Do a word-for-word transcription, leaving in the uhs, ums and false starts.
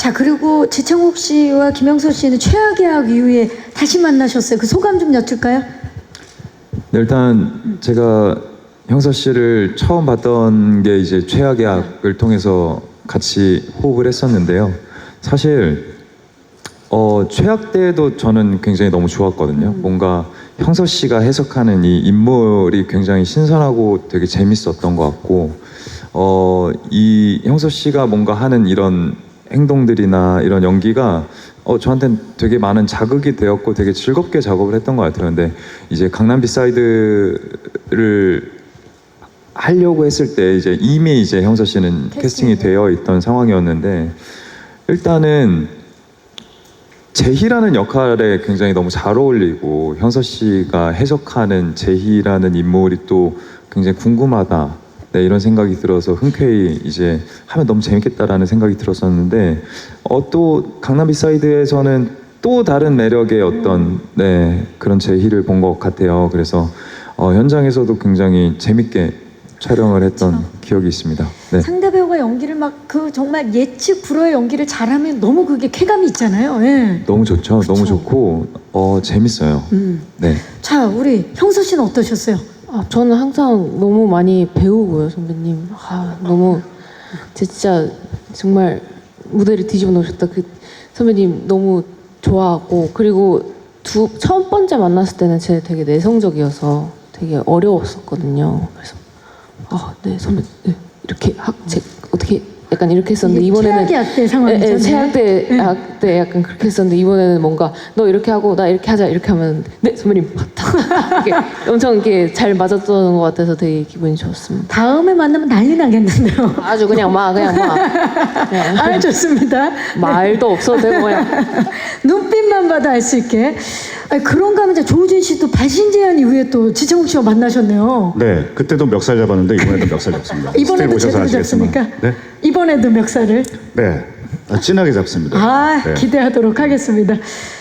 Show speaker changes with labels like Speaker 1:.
Speaker 1: 자, 그리고 지창욱 씨와 김영석 씨는 최악의 이후에 다시 만나셨어요. 그 소감 좀 여쭐까요?
Speaker 2: 네, 일단 제가 형서 씨를 처음 봤던 게 이제 최악의 악을 통해서 같이 호흡을 했었는데요. 사실 어, 최악 때도 저는 굉장히 너무 좋았거든요.
Speaker 1: 음.
Speaker 2: 뭔가 형서 씨가 해석하는 이 인물이 굉장히 신선하고 되게 재밌었던 것 같고, 어, 이 형서 씨가 뭔가 하는 이런 행동들이나 이런 연기가 어, 저한테는 되게 많은 자극이 되었고 되게 즐겁게 작업을 했던 것 같아요. 근데 이제 강남 비사이드를 하려고 했을 때 이제 이미 이제 형서 씨는
Speaker 1: 캐스팅이
Speaker 2: 캐스팅이 되어 있던 상황이었는데, 일단은 제희라는 역할에 굉장히 너무 잘 어울리고 형서 씨가 해석하는 제희라는 인물이 또 굉장히 궁금하다, 네, 이런 생각이 들어서 흔쾌히 이제 하면 너무 재밌겠다라는 생각이 들었었는데, 어, 또 강남 비사이드에서는 또 다른 매력의 어떤 네, 그런 제희를 본 것 같아요. 그래서 어, 현장에서도 굉장히 재밌게 촬영을 했던
Speaker 1: 그렇죠.
Speaker 2: 기억이 있습니다. 네.
Speaker 1: 상대 배우가 연기를 막 그 정말 예측 불허의 연기를 잘하면 너무 그게 쾌감이 있잖아요. 예.
Speaker 2: 너무 좋죠.
Speaker 1: 그쵸.
Speaker 2: 너무 좋고 어, 재밌어요.
Speaker 1: 음.
Speaker 2: 네.
Speaker 1: 자, 우리 형서 씨는 어떠셨어요?
Speaker 3: 아, 저는 항상 너무 많이 배우고요, 선배님. 아, 너무 진짜 정말 무대를 뒤집어 놓으셨다. 그 선배님 너무 좋아하고, 그리고 두 첫 번째 만났을 때는 제가 되게 내성적이어서 되게 어려웠었거든요. 그래서 아, 네 선배, 네, 이렇게 학, 제, 어떻게 약간 이렇게 했었는데
Speaker 1: 이게
Speaker 3: 이번에는
Speaker 1: 최악의 악대 상황이죠.
Speaker 3: 예, 예,
Speaker 1: 네.
Speaker 3: 최악대
Speaker 1: 네.
Speaker 3: 악대 약간 그렇게 했었는데, 이번에는 뭔가 너 이렇게 하고 나 이렇게 하자 이렇게 하면 네 선배님 이렇게 엄청 이렇게 잘 맞았던 것 같아서 되게 기분이 좋았습니다.
Speaker 1: 다음에 만나면 난리 나겠는데요.
Speaker 3: 아주 그냥 막 그냥 막 그냥
Speaker 1: 아, 좋습니다.
Speaker 3: 말도 없어도 되고 그냥
Speaker 1: 눈빛만 봐도 알 수 있게. 아니, 그런가 하면 이제 조우진 씨도 발신제한 이후에 또 지창욱 씨와 만나셨네요.
Speaker 4: 네, 그때도 멱살 잡았는데 이번에도 멱살 잡습니다.
Speaker 1: 이번에도
Speaker 4: 스텝 오셔서
Speaker 1: 제대로
Speaker 4: 아시겠지만.
Speaker 1: 잡습니까?
Speaker 4: 네,
Speaker 1: 이번에도 멱살을.
Speaker 4: 네, 아, 진하게 잡습니다.
Speaker 1: 아,
Speaker 4: 네.
Speaker 1: 기대하도록 하겠습니다.